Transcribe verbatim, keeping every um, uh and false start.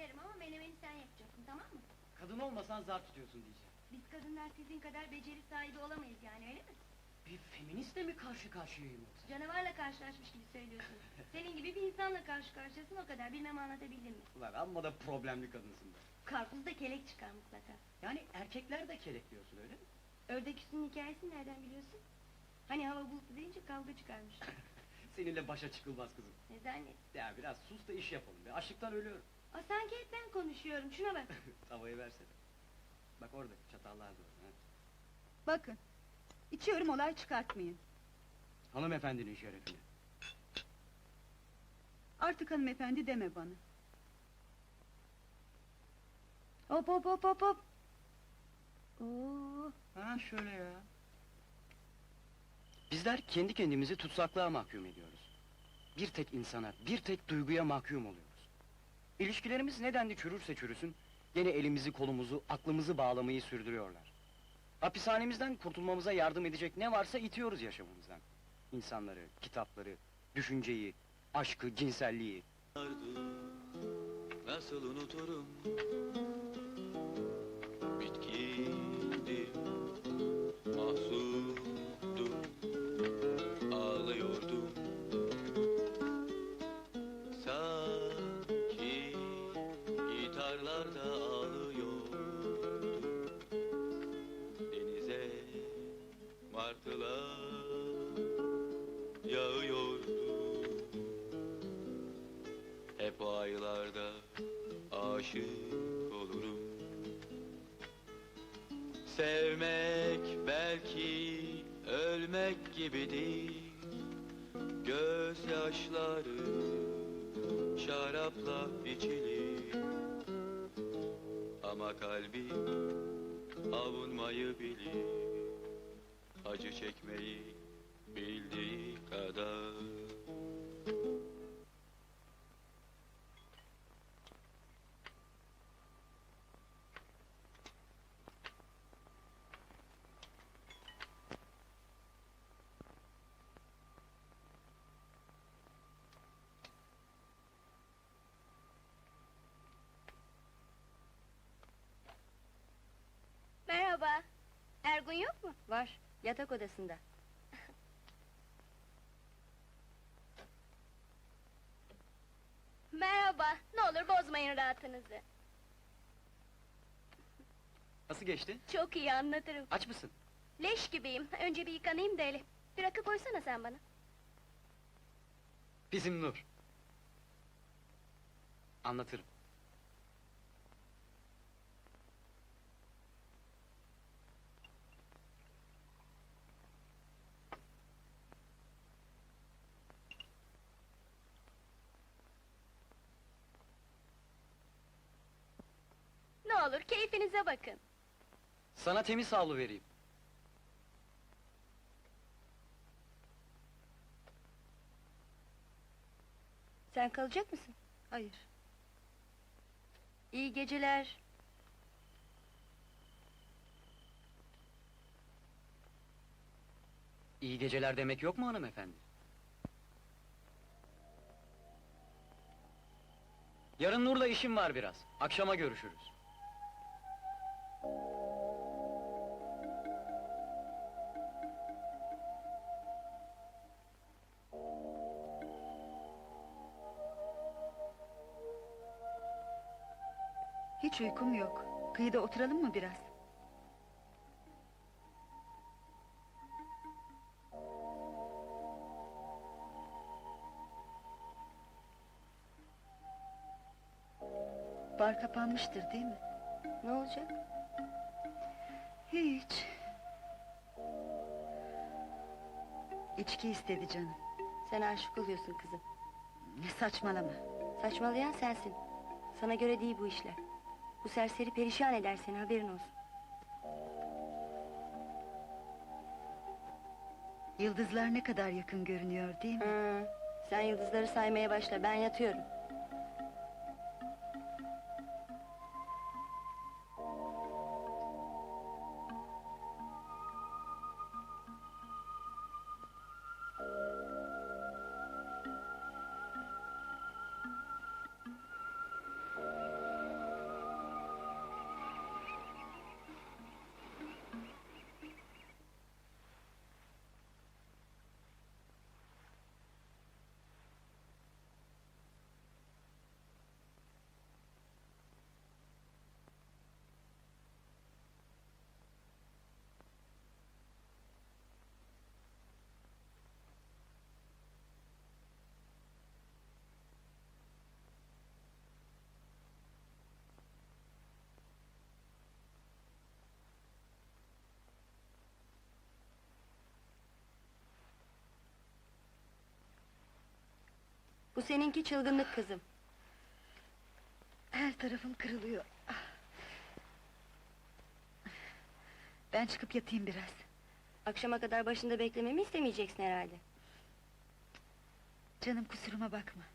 söylerim ama menemeni sen yapacaksın, tamam mı? Kadın olmasan zar tutuyorsun diyeceğim. Biz kadınlar sizin kadar beceri sahibi olamayız yani, öyle mi? Bir feministle mi karşı karşıyayım yoksa? Canavarla karşılaşmış gibi söylüyorsun. Senin gibi bir insanla karşı karşıyasın, o kadar. Bilmem anlatabildim mi? Ulan amma da problemli kadınsın be. Karpuzda kelek çıkar mutlaka. Yani erkekler de kelek diyorsun, öyle mi? Ördek üstünün hikayesini nereden biliyorsun? Hani hava bulutlu deyince kavga çıkarmış. Seninle başa çıkılmaz kızım. Ne zannet? Ya biraz sus da iş yapalım be, açlıktan ölüyorum. Aa, sanki hep ben konuşuyorum, şuna bak. Tavayı versene. Bak orada, çatallar da orada. Ha? Bakın, içiyorum olay çıkartmayın. Hanımefendinin şerefine. Artık hanımefendi deme bana. Hop hop hop hop hop! Oo, Ha şöyle ya. Bizler kendi kendimizi tutsaklığa mahkum ediyoruz. Bir tek insana, bir tek duyguya mahkum oluyoruz. İlişkilerimiz nedenli çürürse çürüsün, gene elimizi, kolumuzu, aklımızı bağlamayı sürdürüyorlar. Hapishanemizden kurtulmamıza yardım edecek ne varsa itiyoruz yaşamımızdan. İnsanları, kitapları, düşünceyi, aşkı, cinselliği. Nasıl unuturum? Bitkindi, mahzundum, ağlıyordum. Sanki gitarlar da ağlıyordu. Denize martılar yağıyordu. Hep o aylarda aşık olurum. Sevmek belki ölmek gibidir. Gözyaşları şarapla içilir. Ama kalbim avunmayı bilir. Acı çekmeyi bildiği kadar. merhaba! Ergun yok mu? Var, yatak odasında. Merhaba, ne olur bozmayın rahatınızı. Nasıl geçti? Çok iyi, anlatırım. Aç mısın? Leş gibiyim, önce bir yıkanayım da hele. Bir rakı koysana sen bana. Bizim Nur. Anlatırım. Ne olur keyfinize bakın. Sana temiz havlu vereyim. Sen kalacak mısın? Hayır. İyi geceler. İyi geceler demek yok mu hanımefendi? Yarın Nur'la işim var biraz. Akşama görüşürüz. Hiç uykum yok. Kıyıda oturalım mı biraz? Bar kapanmıştır değil mi? Ne olacak? Hiç. İçki istedi canım. Sen aşık oluyorsun kızım. Ne saçmalama. Saçmalayan sensin. Sana göre değil bu işler. Bu serseri perişan eder seni, haberin olsun. Yıldızlar ne kadar yakın görünüyor değil mi? Hı, sen yıldızları saymaya başla, ben yatıyorum. Bu seninki çılgınlık kızım. Her tarafım kırılıyor. Ah. Ben çıkıp yatayım biraz. Akşama kadar başında beklememi istemeyeceksin herhalde. Canım, kusuruma bakma.